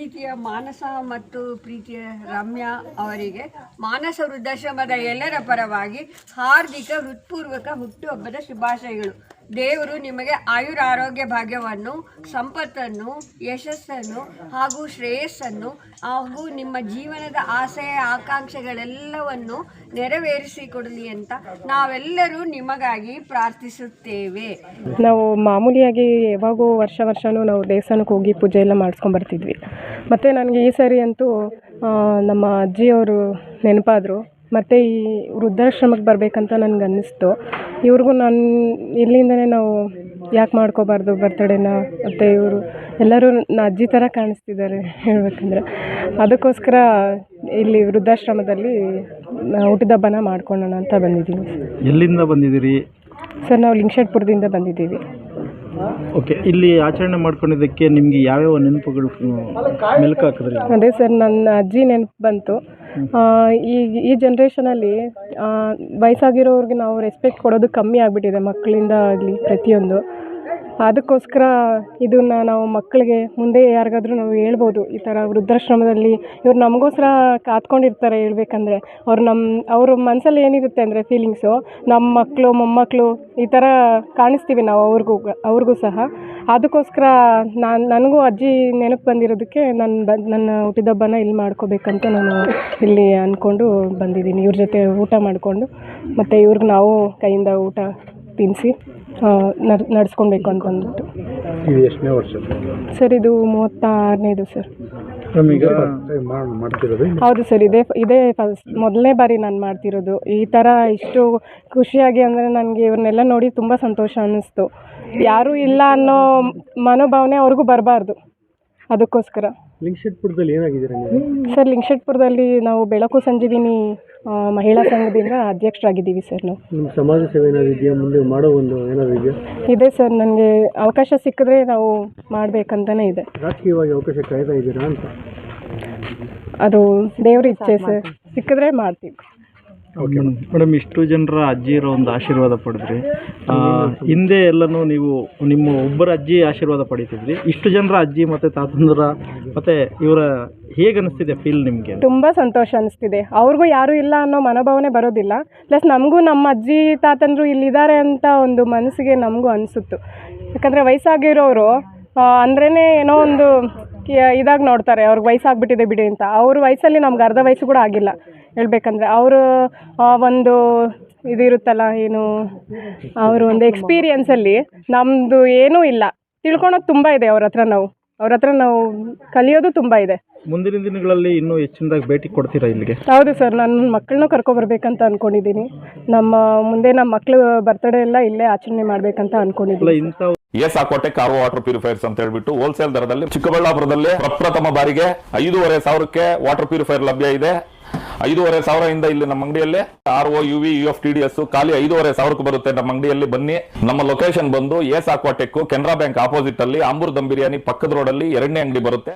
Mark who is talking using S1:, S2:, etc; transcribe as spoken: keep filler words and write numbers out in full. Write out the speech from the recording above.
S1: ಪ್ರೀತಿಯ ಮಾನಸ ಮತ್ತು ಪ್ರೀತಿಯ ರಮ್ಯಾ ಅವರಿಗೆ ಮಾನಸ ವೃದ್ಧಾಶ್ರಮದ ಎಲ್ಲರ ಪರವಾಗಿ ಹಾರ್ದಿಕ ಹೃತ್ಪೂರ್ವಕ ಹುಟ್ಟುಹಬ್ಬದ ಶುಭಾಶಯಗಳು. ದೇವರು ನಿಮಗೆ ಆಯುರ ಆರೋಗ್ಯ ಭಾಗ್ಯವನ್ನು, ಸಂಪತ್ತನ್ನು, ಯಶಸ್ಸನ್ನು ಹಾಗೂ ಶ್ರೇಯಸ್ಸನ್ನು ಹಾಗೂ ನಿಮ್ಮ ಜೀವನದ ಆಸೆ ಆಕಾಂಕ್ಷೆಗಳೆಲ್ಲವನ್ನು ನೆರವೇರಿಸಿಕೊಡಲಿ ಅಂತ ನಾವೆಲ್ಲರೂ ನಿಮಗಾಗಿ ಪ್ರಾರ್ಥಿಸುತ್ತೇವೆ.
S2: ನಾವು ಮಾಮೂಲಿಯಾಗಿ ಯಾವಾಗೂ ವರ್ಷ ವರ್ಷವೂ ನಾವು ದೇವಸ್ಥಾನಕ್ಕೆ ಹೋಗಿ ಪೂಜೆ ಎಲ್ಲ ಮಾಡಿಸ್ಕೊಂಬರ್ತಿದ್ವಿ. ಮತ್ತು ನನಗೆ ಈ ಸರಿ ಅಂತೂ ನಮ್ಮ ಅಜ್ಜಿಯವರು ನೆನಪಾದರು. ಮತ್ತು ಈ ವೃದ್ಧಾಶ್ರಮಕ್ಕೆ ಬರಬೇಕಂತ ನನಗೆ ಅನ್ನಿಸ್ತು. ಇವ್ರಿಗೂ ನಾನು ಇಲ್ಲಿಂದನೇ ನಾವು ಯಾಕೆ ಮಾಡ್ಕೋಬಾರ್ದು ಬರ್ತಡೇನ. ಮತ್ತು ಇವರು ಎಲ್ಲರೂ ನಾ ಅಜ್ಜಿ ಥರ ಕಾಣಿಸ್ತಿದ್ದಾರೆ ಹೇಳ್ಬೇಕಂದ್ರೆ. ಅದಕ್ಕೋಸ್ಕರ ಇಲ್ಲಿ ವೃದ್ಧಾಶ್ರಮದಲ್ಲಿ ಹುಟ್ಟಿದ ಹಬ್ಬನ ಮಾಡ್ಕೊಳ್ಳೋಣ ಅಂತ ಬಂದಿದ್ದೀವಿ.
S3: ಎಲ್ಲಿಂದ ಬಂದಿದ್ದೀರಿ
S2: ಸರ್? ನಾವು ಲಿಂಗಶೆಟ್ಪುರದಿಂದ ಬಂದಿದ್ದೀವಿ.
S3: ಓಕೆ, ಇಲ್ಲಿ ಆಚರಣೆ ಮಾಡ್ಕೊಂಡಿದ್ದಕ್ಕೆ ನಿಮಗೆ ಯಾವ್ಯಾವ ನೆನಪುಗಳು ಮೆಲುಕು ಹಾಕಿದ್ರಿ?
S2: ಅದೇ ಸರ್, ನನ್ನ ಅಜ್ಜಿ ನೆನಪು ಬಂತು. ಈ ಈ ಜನ್ರೇಷನಲ್ಲಿ ವಯಸ್ಸಾಗಿರೋರಿಗೆ ನಾವು ರೆಸ್ಪೆಕ್ಟ್ ಕೊಡೋದು ಕಮ್ಮಿ ಆಗಿಬಿಟ್ಟಿದೆ, ಮಕ್ಕಳಿಂದ ಆಗಲಿ ಪ್ರತಿಯೊಂದು. ಅದಕ್ಕೋಸ್ಕರ ಇದನ್ನು ನಾವು ಮಕ್ಕಳಿಗೆ ಮುಂದೆ ಯಾರಿಗಾದ್ರೂ ನಾವು ಹೇಳ್ಬೋದು, ಈ ಥರ ವೃದ್ಧಾಶ್ರಮದಲ್ಲಿ ಇವ್ರು ನಮಗೋಸ್ಕರ ಕಾತ್ಕೊಂಡಿರ್ತಾರೆ. ಹೇಳ್ಬೇಕಂದ್ರೆ ಅವ್ರು ನಮ್ಮ ಅವ್ರ ಮನಸ್ಸಲ್ಲಿ ಏನಿರುತ್ತೆ ಅಂದರೆ ಫೀಲಿಂಗ್ಸು, ನಮ್ಮ ಮಕ್ಕಳು ಮೊಮ್ಮಕ್ಕಳು ಈ ಥರ ಕಾಣಿಸ್ತೀವಿ ನಾವು ಅವ್ರಿಗೂ ಅವ್ರಿಗೂ ಸಹ. ಅದಕ್ಕೋಸ್ಕರ ನಾನು ನನಗೂ ಅಜ್ಜಿ ನೆನಪು ಬಂದಿರೋದಕ್ಕೆ ನಾನು ಬ ನನ್ನ ಹುಟ್ಟಿದಬ್ಬನ ಇಲ್ಲಿ ಮಾಡ್ಕೋಬೇಕಂತ ನಾನು ಇಲ್ಲಿ ಅಂದ್ಕೊಂಡು ಬಂದಿದ್ದೀನಿ. ಇವ್ರ ಜೊತೆ ಊಟ ಮಾಡಿಕೊಂಡು ಮತ್ತು ಇವ್ರಿಗೆ ನಾವು ಕೈಯಿಂದ ಊಟ ತಿನ್ನಿಸಿ ನಡ್ ನಡೆಸ್ಕೊಳ್ಬೇಕು ಅಂತ ಅಂದ್ಬಿಟ್ಟು.
S3: ಇದು ಎಷ್ಟನೇ ವರ್ಷ
S2: ಸರ್? ಇದು ಮೂವತ್ತಾರನೇದು ಸರ್.
S3: ಈಗ ಮಾಡ್ತಿರೋದು?
S2: ಹೌದು ಸರ್, ಇದೇ ಇದೇ ಫಸ್ಟ್ ಮೊದಲನೇ ಬಾರಿ ನಾನು ಮಾಡ್ತಿರೋದು ಈ ಥರ. ಇಷ್ಟು ಖುಷಿಯಾಗಿ ಅಂದರೆ ನನಗೆ ಇವ್ರನ್ನೆಲ್ಲ ನೋಡಿ ತುಂಬ ಸಂತೋಷ ಅನ್ನಿಸ್ತು. ಯಾರೂ ಇಲ್ಲ ಅನ್ನೋ ಮನೋಭಾವನೆ ಅವ್ರಿಗೂ ಬರಬಾರ್ದು. ಅದಕ್ಕೋಸ್ಕರ.
S3: ಲಿಂಗಶೆಟ್ಪುರದಲ್ಲಿ ಏನಾಗಿದ್ದೀರಾ ನೀವು?
S2: ಸರ್, ಲಿಂಗಶೆಟ್ಪುರದಲ್ಲಿ ನಾವು ಬೆಳಕು ಸಂಜೀವಿನಿ ಮಹಿಳಾ ಸಂಘದಿಂದ ಅಧ್ಯಕ್ಷರಾಗಿದ್ದೀವಿ ಸರ್. ನಾವು
S3: ನಿಮ್ಮ ಸಮಾಜ ಸೇವೆ ಏನಾದ್ರು ಇದೆಯಾ? ಮುಂದೆ ಮಾಡೋ ಒಂದು ಏನಾದರೂ ಇದೆಯಾ?
S2: ಇದೆ ಸರ್, ನನಗೆ ಅವಕಾಶ ಸಿಕ್ಕಿದ್ರೆ ನಾವು ಮಾಡಬೇಕಂತಲೇ ಇದೆ.
S3: ರಾಜಕೀಯವಾಗಿ ಅವಕಾಶ ಕಾಯ್ತಾ ಇದ್ದೀರಾ ಅಂತ?
S2: ಅದು ದೇವ್ರ ಇಚ್ಛೆ ಸರ್, ಸಿಕ್ಕಿದ್ರೆ ಮಾಡ್ತೀವಿ.
S3: ಓಕೆ ಮೇಡಮ್, ಇಷ್ಟು ಜನರ ಅಜ್ಜಿ ಇರೋ ಒಂದು ಆಶೀರ್ವಾದ ಪಡೆದ್ರಿ. ಹಿಂದೆ ಎಲ್ಲನೂ ನೀವು ನಿಮ್ಮ ಒಬ್ಬರ ಅಜ್ಜಿ ಆಶೀರ್ವಾದ ಪಡೀತಿದ್ರಿ. ಇಷ್ಟು ಜನರ ಅಜ್ಜಿ ಮತ್ತು ತಾತಂದ್ರ ಮತ್ತು ಇವರ ಹೇಗೆ ಅನಿಸ್ತಿದೆ ಫೀಲ್ ನಿಮಗೆ?
S2: ತುಂಬ ಸಂತೋಷ ಅನಿಸ್ತಿದೆ. ಅವ್ರಿಗೂ ಯಾರೂ ಇಲ್ಲ ಅನ್ನೋ ಮನೋಭಾವನೆ ಬರೋದಿಲ್ಲ. ಪ್ಲಸ್ ನಮಗೂ ನಮ್ಮ ಅಜ್ಜಿ ತಾತಂದರು ಇಲ್ಲಿದ್ದಾರೆ ಅಂತ ಒಂದು ಮನಸ್ಸಿಗೆ ನಮಗೂ ಅನಿಸುತ್ತು. ಯಾಕಂದರೆ ವಯಸ್ಸಾಗಿರೋರು ಅಂದ್ರೇ ಏನೋ ಒಂದು ಇದಾಗಿ ನೋಡ್ತಾರೆ, ಅವ್ರಿಗೆ ವಯಸ್ಸಾಗ್ಬಿಟ್ಟಿದೆ ಬಿಡಿ ಅಂತ. ಅವ್ರ ವಯಸ್ಸಲ್ಲಿ ನಮ್ಗೆ ಅರ್ಧ ವಯಸ್ಸು ಕೂಡ ಆಗಿಲ್ಲ ಹೇಳ್ಬೇಕಂದ್ರೆ. ಅವರು ಒಂದು ಇದಿರುತ್ತಲ್ಲ, ಏನು ಅವರು ಒಂದು ಎಕ್ಸ್ಪೀರಿಯನ್ಸಲ್ಲಿ ನಮ್ಮದು ಏನೂ ಇಲ್ಲ. ತಿಳ್ಕೊಳೋದು ತುಂಬ ಇದೆ ಅವ್ರ ಹತ್ರ. ನಾವು ಅವ್ರ ಹತ್ರ ನಾವು ಕಲಿಯೋದು ತುಂಬ ಇದೆ.
S3: ಮುಂದಿನ ದಿನಗಳಲ್ಲಿ ಇನ್ನೂ ಹೆಚ್ಚಿನದಾಗಿ ಭೇಟಿ ಕೊಡ್ತೀರಾ ಇಲ್ಲಿಗೆ?
S2: ಹೌದು ಸರ್, ನನ್ನ ಮಕ್ಕಳನ್ನೂ ಕರ್ಕೊಬರ್ಬೇಕಂತ ಅಂದ್ಕೊಂಡಿದ್ದೀನಿ. ನಮ್ಮ ಮುಂದೆ ನಮ್ಮ ಮಕ್ಕಳು ಬರ್ತಡೇ ಎಲ್ಲ ಇಲ್ಲೇ ಆಚರಣೆ ಮಾಡಬೇಕಂತ ಅಂದ್ಕೊಂಡಿದ್ದೀನಿ.
S4: S Aquatech car water purifiers ಅಂತ ಹೇಳ್ಬಿಟ್ಟು ಹೋಲ್ಸೇಲ್ ದರದಲ್ಲಿ ಚಿಕ್ಕಬಳ್ಳಾಪುರದಲ್ಲಿ ಪ್ರಪ್ರಥಮ ಬಾರಿಗೆ ಐದೂವರೆ ಸಾವಿರಕ್ಕೆ ವಾಟರ್ ಪ್ಯೂರಿಫೈರ್ ಲಭ್ಯ ಇದೆ. ಐದೂವರೆ ಸಾವಿರದಿಂದ ಇಲ್ಲಿ ನಮ್ಮ ಅಂಗಡಿಯಲ್ಲಿ R O U V U F T D S ಖಾಲಿ ಐದೂವರೆ ಸಾವಿರಕ್ಕೆ ಬರುತ್ತೆ. ನಮ್ಮ ಅಂಗಡಿಯಲ್ಲಿ ಬನ್ನಿ. ನಮ್ಮ ಲೊಕೇಶನ್ ಬಂದು S Aquatech Canara Bank opposite ಅಲ್ಲಿ ಆಂಬೂರ್ ದಮ್ ಬಿರಿಯಾನಿ ಪಕ್ಕದ ರೋಡ್ ಅಲ್ಲಿ ಎರಡನೇ ಅಂಗಡಿ ಬರುತ್ತೆ.